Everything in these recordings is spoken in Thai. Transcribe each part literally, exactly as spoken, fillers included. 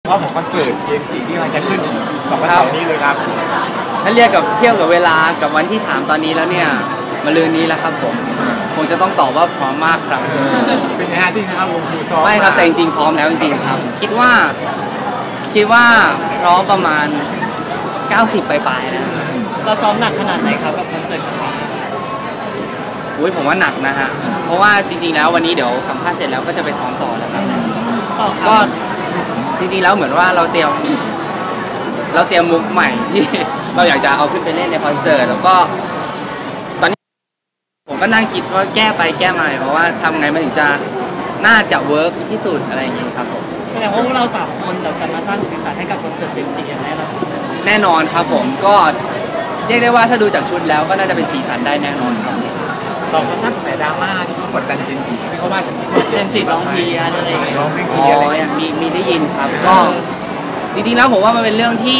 เพราะของคอนเสิร์ตเกมสี่ที่มันจะขึ้นสองวันเสาร์นี้เลยครับถ้าเรียกกับเทียบกับเวลากับวันที่ถามตอนนี้แล้วเนี่ยมาลืนนี้แล้วครับผมคงจะต้องตอบว่าพร้อมมากครับเป็นไงฮะที่นะครับวงดูซ้อมไม่ครับแต่จริงๆพร้อมแล้วจริงๆครับคิดว่าคิดว่าพร้อมประมาณเก้าสิบปลายๆนะเราซ้อมหนักขนาดไหนครับกับคอนเสิร์ตของเราอุ้ยผมว่าหนักนะฮะเพราะว่าจริงๆแล้ววันนี้เดี๋ยวสัมภาษณ์เสร็จแล้วก็จะไปซ้อมต่อแล้วครับก็จริงๆแล้วเหมือนว่าเราเตรียมเราเตรียมมุกใหม่ที่เราอยากจะเอาขึ้นไปเล่นในคอนเสิร์ตแล้วก็ตอนนี้ผมก็นั่งคิดว่าแก้ไปแก้มาเพราะว่าทำไงมันถึงจะน่าจะเวิร์กที่สุดอะไรอย่างเงี้ยครับผมแสดงว่าพวกเราสามคนจะมาสร้างสีสันให้กับคอนเสิร์ตเต็มที่แน่นอนแน่นอนครับผมก็เรียกได้ว่าถ้าดูจากชุดแล้วก็น่าจะเป็นสีสันได้แน่นอนครับตอนเขาสร้างแต่ดราม่าที่เขากดดันเจนจีที่เขาว่าเจนจีร้องเพียอะไรอย่างเงี้ยร้องเพลงอ๋เพียอะไรอมีมีได้ยินครับก็จริงๆแล้วผมว่ามันเป็นเรื่องที่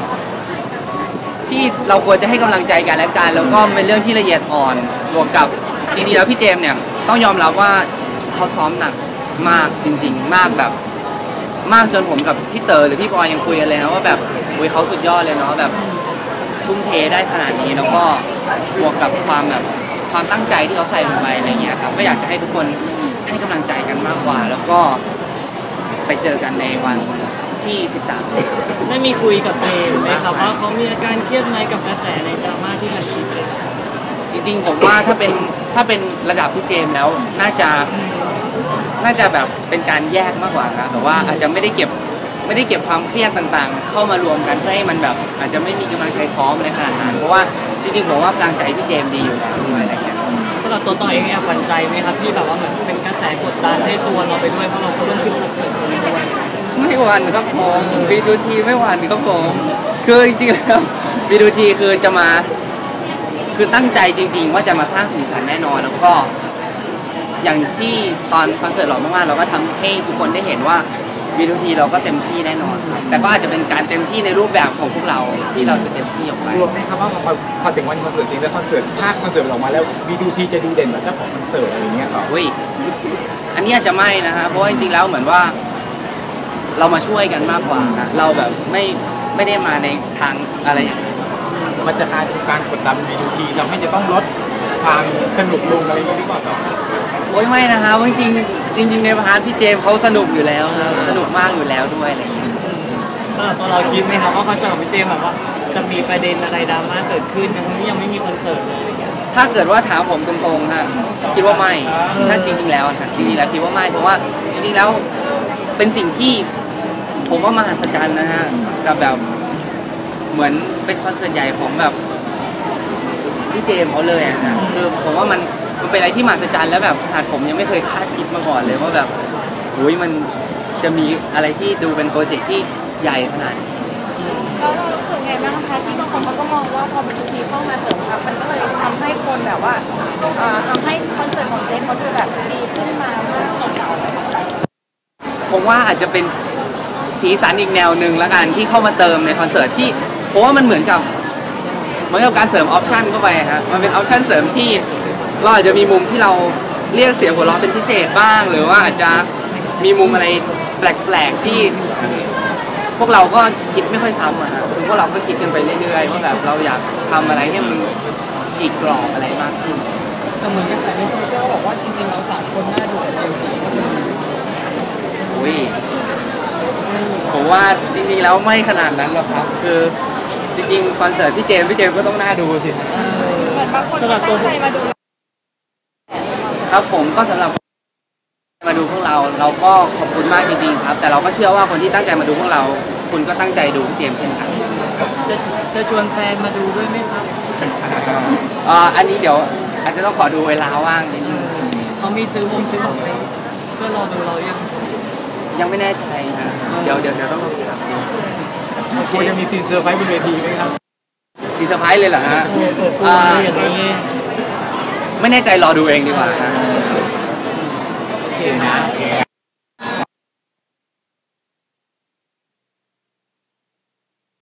ที่เราควรจะให้กำลังใจกันและกันแล้วก็เป็นเรื่องที่ละเอียดอ่อนบวกกับจริงๆแล้วพี่เจมส์เนี่ยต้องยอมรับว่าเขาซ้อมหนักมากจริงๆมากแบบมากจนผมกับพี่เต๋อหรือพี่บอยยังคุยกันเลยนะว่าแบบอุ้ยเขาสุดยอดเลยเนาะแบบทุ่มเทได้ขนาดนี้แล้วก็บวกกับความแบบความตั้งใจที่เขาใส่ลงไปอะไรเงี้ยครับก็อยากจะให้ทุกคนให้กำลังใจกันมากกว่าแล้วก็ไปเจอกันในวันที่สิบสามได้มีคุยกับเจมส์ไหมครับว่าเขามีอาการเครียดไหมกับกระแสในดราม่าที่มันชิดเลยจริงๆผมว่าถ้าเป็นถ้าเป็นระดับพี่เจมส์แล้วน่าจะน่าจะแบบเป็นการแยกมากกว่านะแต่ว่าอาจจะไม่ได้เก็บไม่ได้เก็บความเครียดต่างๆเข้ามารวมกันเพื่อให้มันแบบอาจจะไม่มีกำลังใจซ้อมในขนาดนั้นเพราะว่าจริงๆผมว่ากำลังใจพี่เจมส์ดีอยู่แล้วด้วยอะไรเงี้ยสำหรับตัวต่อเองเนี่ยหวั่นใจไหมครับที่แบบว่าเหมือนเป็นกระแสกดดันให้ตัวเราไปด้วยเพราะเราก็เริ่มขึ้นคอนเสิร์ตนี้ด้วยไม่หวั่นครับผม บี ทู ที ไม่หวั่นครับผมคือจริงๆแล้ว บี ทู ที คือจะมาคือตั้งใจจริงๆว่าจะมาสร้างสีสันแน่นอนแล้วก็อย่างที่ตอนคอนเสิร์ตหล่อมากๆเราก็ทำให้ทุกคนได้เห็นว่า บี ทู ที เราก็เต็มที่แน่นอนครับแต่ก็อาจจะเป็นการเต็มที่ในรูปแบบของพวกเราที่เราจะเต็มที่ออกไปรวมไหมครับว่าพอพอถึงวันคอนเสิร์ตจริงแล้วคอนเสิร์ตภาคคอนเสิร์ตออกมาแล้ว บี ทู ที จะดูเด่นกว่าเจ้าของคอนเสิร์ตอะไรเงี้ยครับอุ้ยอันนี้อาจจะไม่นะฮะเพราะว่าจริงๆแล้วเหมือนว่าเรามาช่วยกันมากกว่านะเราแบบไม่ไม่ได้มาในทางอะไรอย่างนี้มันจะกลายเป็นการกดดัน บี ทู ที ทำให้จะต้องลดความสนุกลงอะไรอย่างนี้หรือเปล่าต่อโอ้ยไม่นะฮะจริงจริงจริงในพาร์ทพี่เจมส์เขาสนุกอยู่แล้วนะสนุกมากอยู่แล้วด้วยอะไรอย่างเงี้ยตัวเราคิดไหมครับว่าคอนเสิร์ตของพี่เจมส์แบบว่าจะมีประเด็นอะไรดราม่าเกิดขึ้นทั้งที่ยังไม่มีคอนเสิร์ตเลยถ้าเกิดว่าถามผมตรงๆฮะคิดว่าไม่ถ้าจริงๆแล้วนะจริงๆแล้วคิดว่าไม่เพราะว่าจริงๆแล้วเป็นสิ่งที่ผมว่ามหัศจรรย์นะฮะกับแบบเหมือนเป็นคอนเสิร์ตใหญ่ของแบบพี่เจมส์เขาเลยอ่ะนะคือผมว่ามันมันเป็นอะไรที่มหัศจรรย์แล้วแบบขนาดผมยังไม่เคยคาดคิดมาก่อนเลยว่าแบบโอ้ยมันจะมีอะไรที่ดูเป็นโปรเจกต์ที่ใหญ่ขนาดนี้แล้วเรารู้สึกไงบ้างคะที่บางคนเขาก็มองว่าพอเป็นทีทีเข้ามาเสริมครับมันก็เลยทำให้คนแบบว่าทำให้คอนเสิร์ตของเจมส์เขาดูแบบดีขึ้นมามากกว่าเก่าผมว่าอาจจะเป็นสีสันอีกแนวหนึ่งละกันที่เข้ามาเติมในคอนเสิร์ตที่ผมว่ามันเหมือนกับเหมือนกับการเสริมออปชั่นเข้าไปฮะมันเป็นออปชั่นเสริมที่เราอาจจะมีมุมที่เราเรียกเสียงหัวเราะเป็นพิเศษบ้างหรือว่าอาจจะมีมุมอะไรแปลกๆที่พวกเราก็คิดไม่ค่อยซ้ำอะฮะคือพวกเราก็คิดกันไปเรื่อยๆว่าแบบเราอยากทำอะไรให้มันฉีกกรอบอะไรมากขึ้นแต่เหมือนกระแสในโซเชียลบอกว่าจริงๆเราสามคนน่าดูกับเจมส์จีก็คืออุ้ยผมว่าจริงๆแล้วไม่ขนาดนั้นหรอกครับคือจริงๆคอนเสิร์ตพี่เจมส์พี่เจมส์ก็ต้องน่าดูสิเหมือนบางคนตั้งใจมาดูครับผมก็สำหรับมาดูพวกเราเราก็ขอบคุณมากจริงๆครับแต่เราก็เชื่อว่าคนที่ตั้งใจมาดูพวกเราคุณก็ตั้งใจดูพี่เจมส์เช่นกันจะจะชวนแฟนมาดูด้วยไหมครับอ่าอันนี้เดี๋ยวอาจจะต้องขอดูเวลาว่างนิดนึงเขามีซื้อวงซื้อของไปเพื่อรอดูเรายังยังไม่แน่ใจนะเดี๋ยวเดี๋ยวเดี๋ยวต้องดูครับควรจะมีซีนเซอร์ไพรส์บนเวทีไหมครับซีนเซอร์ไพรส์เลยเหรอฮะไม่แน่ใจรอดูเองดีกว่านะโอเคนะ